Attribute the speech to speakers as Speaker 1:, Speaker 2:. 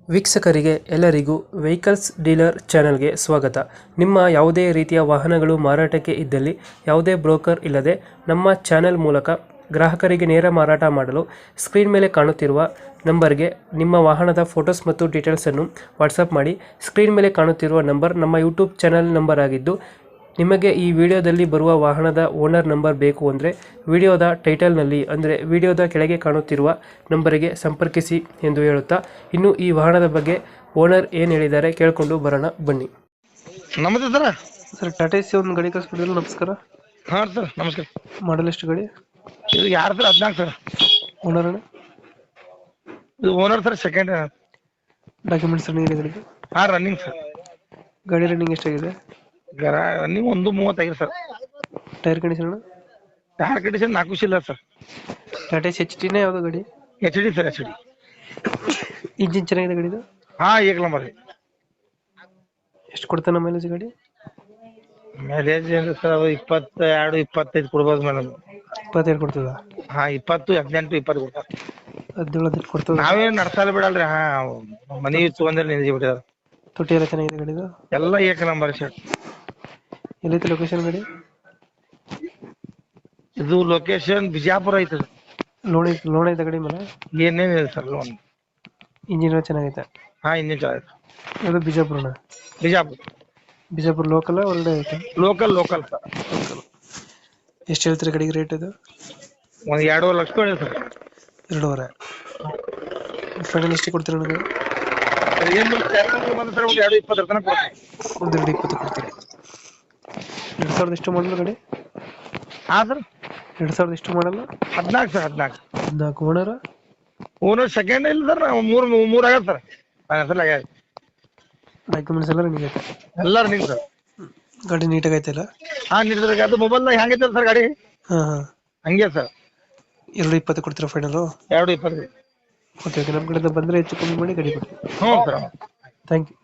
Speaker 1: ವೀಕ್ಷಕರಿಗೆ ಎಲ್ಲರಿಗೂ vehicles dealer ಚಾನೆಲ್ಗೆ ಸ್ವಾಗತ. ನಿಮ್ಮ ಯಾವುದೇ ರೀತಿಯ ವಾಹನಗಳು ಮಾರಾಟಕ್ಕೆ ಇದ್ದಲ್ಲಿ ಯಾವುದೇ ಬ್ರೋಕರ್ ಇಲ್ಲದೆ ನಮ್ಮ ಚಾನೆಲ್ ಮೂಲಕ ಗ್ರಾಹಕರಿಗೆ ನೇರ ಮಾರಾಟ ಮಾಡಲು ಸ್ಕ್ರೀನ್ ಮೇಲೆ ಕಾಣುತ್ತಿರುವ ನಂಬರ್ಗೆ ನಿಮ್ಮ ವಾಹನದ ಫೋಟೋಸ್ ಮತ್ತು ಡೀಟೇಲ್ಸನ್ನು ವಾಟ್ಸಪ್ ಮಾಡಿ. ಸ್ಕ್ರೀನ್ ಮೇಲೆ ಕಾಣುತ್ತಿರುವ ನಂಬರ್ ನಮ್ಮ ಯೂಟ್ಯೂಬ್ ಚಾನೆಲ್ ನಂಬರ್ ಆಗಿದ್ದು, ನಿಮಗೆ ಈ ವಿಡಿಯೋದಲ್ಲಿ ಬರುವ ವಾಹನದ ಓನರ್ ನಂಬರ್ ಬೇಕು ಅಂದರೆ ವಿಡಿಯೋದ ಟೈಟಲ್ನಲ್ಲಿ ಅಂದರೆ ವಿಡಿಯೋದ ಕೆಳಗೆ ಕಾಣುತ್ತಿರುವ ನಂಬರಿಗೆ ಸಂಪರ್ಕಿಸಿ ಎಂದು ಹೇಳುತ್ತಾ, ಇನ್ನು ಈ ವಾಹನದ ಬಗ್ಗೆ ಓನರ್ ಏನು ಹೇಳಿದ್ದಾರೆ ಕೇಳಿಕೊಂಡು ಬರೋಣ ಬನ್ನಿ.
Speaker 2: ನಮಸ್ತೆ ಸರ್.
Speaker 1: ಸರ್, ಟಾಟಾ ಎಸಿ ಒಂದು ಗಾಡಿ ಕಳಿಸ್ಬಿಟ್ಟಿಲ್ಲ. ನಮಸ್ಕಾರ.
Speaker 2: ಹಾಂ ಸರ್, ನಮಸ್ಕಾರ.
Speaker 1: ಮಾಡಲ್ ಎಷ್ಟು ಗಾಡಿ?
Speaker 2: ಇದು ಯಾರು ಸರ್? 14 ಸರ್.
Speaker 1: ಓನರ್ ಅಣ್ಣ?
Speaker 2: ಇದು owner sir, second.
Speaker 1: Documents running ಇದೆ ಗಾಡಿಗೆ?
Speaker 2: ಹಾಂ, ರನ್ನಿಂಗ್ ಸರ್.
Speaker 1: ಗಾಡಿ ರನ್ನಿಂಗ್ ಎಷ್ಟಾಗಿದೆ?
Speaker 2: Running 1:35 sir.
Speaker 1: Tyre condition?
Speaker 2: Tyre condition 4 ಇಲ್ಲ ಸರ್.
Speaker 1: ಟಾಟಾ ಎಸಿ ಎಚ್ ಟಿನೇ ಯಾವುದು ಗಾಡಿ?
Speaker 2: HD sir, HD.
Speaker 1: ಇಂಜಿನ್ ಚೆನ್ನಾಗಿದೆ ಗಾಡಿದು?
Speaker 2: ಹಾಂ, ಏಕ ನಂಬರ್ ರೀ.
Speaker 1: ಎಷ್ಟು ಕೊಡ್ತಾನೆ ಮೈಲೇಜ್ ಗಾಡಿ?
Speaker 2: ಮೈಲೇಜ್ ಏನು ಸರ್, ಅದು 22-25 ಕೊಡ್ಬೋದು ಮೇಡಮ್.
Speaker 1: 22 ಕೊಡ್ತದ?
Speaker 2: ಹಾಂ, 20, 18, 20 ಕೊಡ್ತಾರೆ.
Speaker 1: 17 ಕೊಡ್ತದ?
Speaker 2: ನಾವೇನು ನಡ್ಸಲ್ಲ ಬಿಡಲ್ರಿ. ಹಾಂ, ಮನೆ ತೊಗೊಂಡ್ರೆ ನಿಂಜಿ ಬಿಟ್ಟಿದ್ದಾರೆ.
Speaker 1: ತೊಟ್ಟಿ ಎಲ್ಲ ಚೆನ್ನಾಗಿದೆ ಗಾಡಿದು?
Speaker 2: ಎಲ್ಲ ಏಕ ನಂಬರ್ ಸರ್.
Speaker 1: ಎಲ್ಲೈತೆ ಲೊಕೇಶನ್ ಗಾಡಿ?
Speaker 2: ಇದು ಲೊಕೇಶನ್ ಬಿಜಾಪುರ ಐತೆ.
Speaker 1: ಲೋನ್ ಐತೆ ಗಾಡಿ ಮೇಲೆ?
Speaker 2: ಏನೇನಿದೆ ಸರ್ ಲೋನ್?
Speaker 1: ಇಂಜಿನ್ ಚೆನ್ನಾಗೈತೆ?
Speaker 2: ಹಾಂ, ಇಂಜಿನ್ ಚೆನ್ನಾಗೈತೆ.
Speaker 1: ಅದು ಬಿಜಾಪುರನ? ಬಿಜಾಪುರ ಲೋಕಲ್ ಹೊರಗಡೆ ಐತೆ?
Speaker 2: Local sir.
Speaker 1: ಎಷ್ಟು ಹೇಳ್ತೀರಿ ಗಾಡಿಗೆ ರೇಟ್ ಇದು?
Speaker 2: ಒಂದು 2.5 ಲಕ್ಷ ಕೊಡಿ ಸರ್.
Speaker 1: 2.5? ಫೈನಲ್ ಎಷ್ಟು ಕೊಡ್ತೀರಿ ನನಗೆ?
Speaker 2: ಏನು ಬಂದು ಸರ್, ಒಂದು 2.20 ತನಕ ಕೊಡ್ತೀನಿ.
Speaker 1: ಒಂದು 2.20 ಕೊಡ್ತೀರಿ? 2000 ಎಷ್ಟು ಮಾಡಲ್ಲ ಗಾಡಿ?
Speaker 2: ಹಾಂ ಸರ್.
Speaker 1: 2000 ಎಷ್ಟು ಮಾಡಲ್ಲ?
Speaker 2: 14 ಸರ್, 14.
Speaker 1: ಓನರ್?
Speaker 2: ಓನರ್ ಸೆಕೆಂಡ್ ಇಲ್ಲ ಸರ್. ಮೂರು ಆಗ್ಯದ ಸರ್. ಫೈನಾನ್ಸಲ್ ಆಗ್ಯದ.
Speaker 1: ಡಾಕ್ಯುಮೆಂಟ್ಸ್ ಎಲ್ಲ ರನ್ನಿಂಗ್ ಐತೆ?
Speaker 2: ಎಲ್ಲ ರನ್ನಿಂಗ್ ಸರ್.
Speaker 1: ಗಾಡಿ ನೀಟಾಗಿ ಐತಲ್ಲ?
Speaker 2: ಹಾಂ, ನೀಡಿದ್ರೆ ಅದು ಮೊಬೈಲ್ದಾಗ ಹೆಂಗೈತೆ ಸರ್ ಗಾಡಿ?
Speaker 1: ಹಾಂ.
Speaker 2: ಹಂಗೆ ಸರ್.
Speaker 1: 2.20 ಕೊಡ್ತೀರಾ ಫೈನಲು?
Speaker 2: 2.20.
Speaker 1: ಓಕೆ, ನಮ್ಮ ಕಡೆಯಿಂದ ಬಂದರೆ ಹೆಚ್ಚು ಕಮ್ಮಿ ಮಾಡಿ ಗಾಡಿ ಕೊಡಿ.
Speaker 2: ಹ್ಞೂ ಸರ್.
Speaker 1: Thank you.